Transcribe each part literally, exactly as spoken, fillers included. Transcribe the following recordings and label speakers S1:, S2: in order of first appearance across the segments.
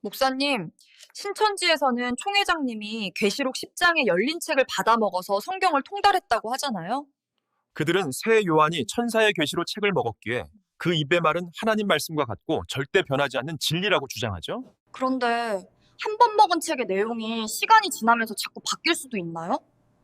S1: 목사님, 신천지에서는 총회장님이 계시록 십 장의 열린 책을 받아먹어서 성경을 통달했다고 하잖아요.
S2: 그들은 새 요한이 천사의 계시로 책을 먹었기에 그 입의 말은 하나님 말씀과 같고 절대 변하지 않는 진리라고 주장하죠.
S1: 그런데 한 번 먹은 책의 내용이 시간이 지나면서 자꾸 바뀔 수도 있나요?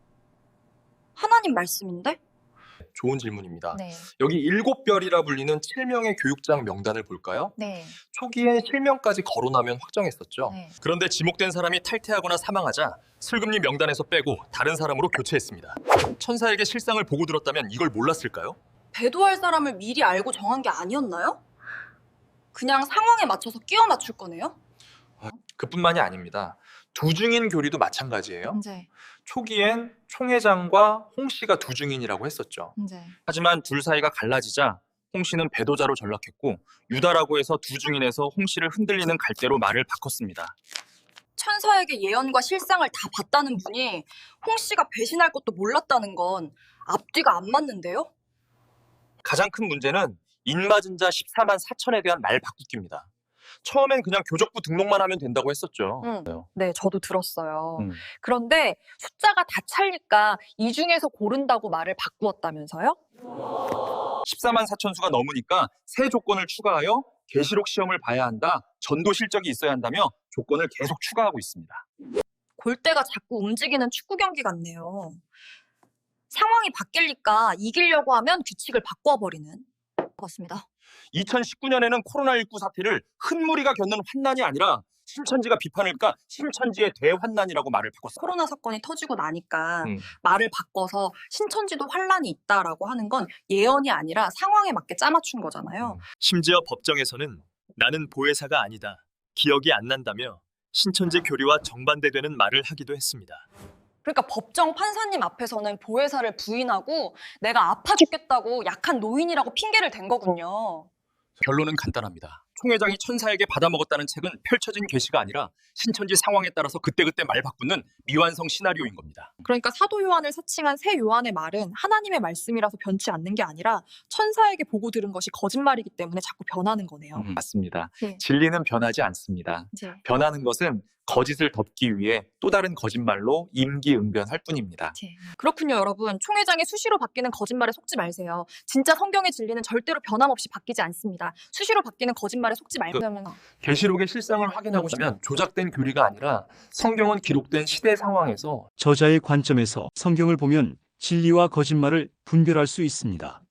S1: 하나님 말씀인데?
S3: 좋은 질문입니다.
S1: 네.
S3: 여기 일곱 별이라 불리는 칠 명의 교육장 명단을 볼까요?
S1: 네.
S3: 초기에 칠 명까지 거론하면 확정했었죠.
S1: 네.
S2: 그런데 지목된 사람이 탈퇴하거나 사망하자 슬금리 명단에서 빼고 다른 사람으로 교체했습니다. 천사에게 실상을 보고 들었다면 이걸 몰랐을까요?
S1: 배도할 사람을 미리 알고 정한 게 아니었나요? 그냥 상황에 맞춰서 끼워 맞출 거네요?
S3: 그뿐만이 아닙니다. 두중인 교리도 마찬가지예요.
S1: 네.
S3: 초기엔 총회장과 홍 씨가 두중인이라고 했었죠.
S1: 네.
S2: 하지만 둘 사이가 갈라지자 홍 씨는 배도자로 전락했고 유다라고 해서 두중인에서 홍 씨를 흔들리는 갈대로 말을 바꿨습니다.
S1: 천사에게 예언과 실상을 다 봤다는 분이 홍 씨가 배신할 것도 몰랐다는 건 앞뒤가 안 맞는데요?
S2: 가장 큰 문제는 인맞은 자 십사만 사천에 대한 말 바꾸기입니다. 처음엔 그냥 교적부 등록만 하면 된다고 했었죠.
S1: 응. 네, 저도 들었어요.
S2: 음.
S1: 그런데 숫자가 다 찰니까 이 중에서 고른다고 말을 바꾸었다면서요?
S2: 십사만 사천 수가 넘으니까 새 조건을 추가하여 계시록 시험을 봐야 한다, 전도 실적이 있어야 한다며 조건을 계속 추가하고 있습니다.
S1: 골대가 자꾸 움직이는 축구 경기 같네요. 상황이 바뀌니까 이기려고 하면 규칙을 바꿔버리는 것 같습니다.
S2: 이천십구 년에는 코로나십구 사태를 흙무리가 겪는 환난이 아니라 신천지가 비판을 그러니까 신천지의 대환난이라고 말을 바꿨어요.
S1: 코로나 사건이 터지고 나니까
S2: 음.
S1: 말을 바꿔서 신천지도 환란이 있다라고 하는 건 예언이 아니라 상황에 맞게 짜맞춘 거잖아요.
S4: 심지어 법정에서는 나는 보혜사가 아니다, 기억이 안 난다며 신천지 교리와 정반대되는 말을 하기도 했습니다.
S1: 그러니까 법정 판사님 앞에서는 보혜사를 부인하고 내가 아파 죽겠다고 약한 노인이라고 핑계를 댄 거군요.
S2: 결론은 간단합니다. 총회장이 천사에게 받아먹었다는 책은 펼쳐진 계시가 아니라 신천지 상황에 따라서 그때그때 말 바꾸는 미완성 시나리오인 겁니다.
S1: 그러니까 사도 요한을 사칭한 새 요한의 말은 하나님의 말씀이라서 변치 않는 게 아니라 천사에게 보고 들은 것이 거짓말이기 때문에 자꾸 변하는 거네요.
S3: 음, 맞습니다.
S1: 네.
S3: 진리는 변하지 않습니다.
S1: 네.
S3: 변하는 것은 거짓을 덮기 위해 또 다른 거짓말로 임기응변할 뿐입니다.
S1: 네. 그렇군요, 여러분. 총회장이 수시로 바뀌는 거짓말에 속지 마세요. 진짜 성경의 진리는 절대로 변함없이 바뀌지 않습니다. 수시로 바뀌는 거짓말에 속지 말고 하면
S3: 계시록의 실상을 확인하고 싶으면 조작된 교리가 아니라 성경은 기록된 시대 상황에서
S5: 저자의 관점에서 성경을 보면 진리와 거짓말을 분별할 수 있습니다.